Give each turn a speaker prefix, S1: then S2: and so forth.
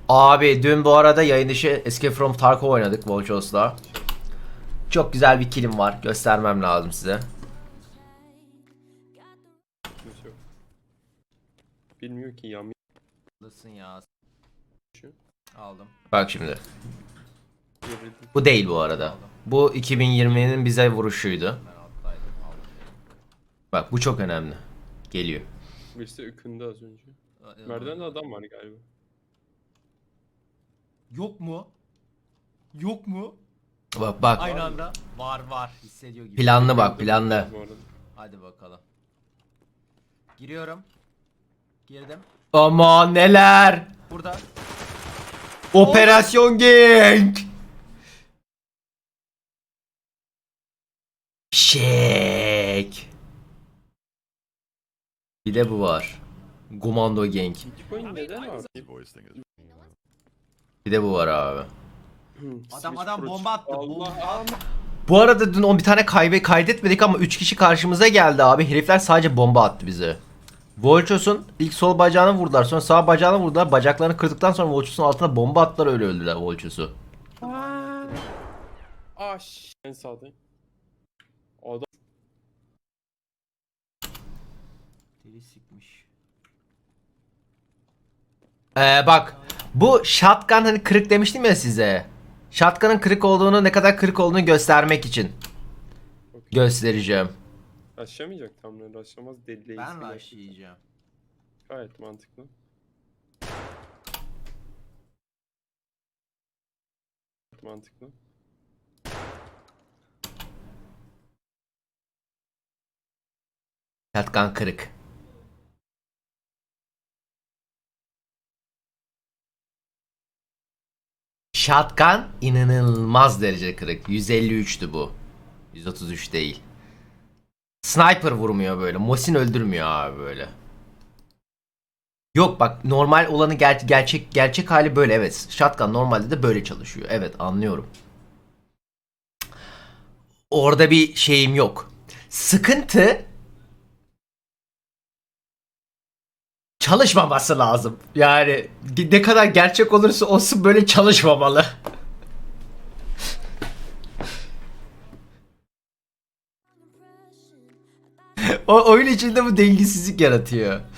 S1: Abi dün bu arada yayın dışı Escape from Tarkov oynadık Volchos'la. Çok güzel bir killim var. Göstermem lazım size.
S2: Kimse yok. Bilmiyor ki yam
S1: Ya.
S2: şu.
S1: Aldım. Bak şimdi.
S2: Devrildi.
S1: Bu değil bu arada. Bu 2020'nin bize vuruşuydu. Bak bu çok önemli. Geliyor.
S2: Birisi ükündü az önce. Merdivende adam var galiba.
S3: Yok mu? Yok mu?
S1: Bak bak.
S3: Aynı anda. Var. Hissediyor gibi.
S1: Planlı bak planlı.
S2: Bu arada.
S3: Hadi bakalım. Giriyorum. Girdim.
S1: Aman neler.
S3: Burada.
S1: Operasyon Gang. Şek. Bir de bu var. Komando Gang.
S2: Bitcoin neden abi?
S1: Bir de bu var abi.
S3: Adam bomba attı.
S2: Allah.
S1: Bu arada dün bir tane kaydetmedik ama 3 kişi karşımıza geldi abi. Herifler sadece bomba attı bize. Volchos'un ilk sol bacağını vurdular. Sonra sağ bacağını vurdular. Bacaklarını kırdıktan sonra Volchos'un altına bomba attılar, öyle öldüler Volchos'u.
S2: En sağdayım. Adam
S3: Deli sikmiş.
S1: Bak bu shotgun hani kırık demiştim ya size. Shotgun'ın kırık olduğunu, ne kadar kırık olduğunu göstermek için göstereceğim.
S2: aşamayacak tam ne aşamaz deli.
S3: Ben rushlayacağım.
S2: Gayet mantıklı. Mantıklı.
S1: Shotgun kırık. Shotgun inanılmaz derece kırık. 153'tü bu. 133 değil. Sniper vurmuyor böyle. Mosin öldürmüyor abi böyle. Yok bak, normal olanı gerçek hali böyle, evet. Shotgun normalde de böyle çalışıyor. Evet, anlıyorum. Orada bir şeyim yok. Sıkıntı çalışmaması lazım. Yani ne kadar gerçek olursa olsun böyle çalışmamalı. O oyun içinde bu dengesizlik yaratıyor.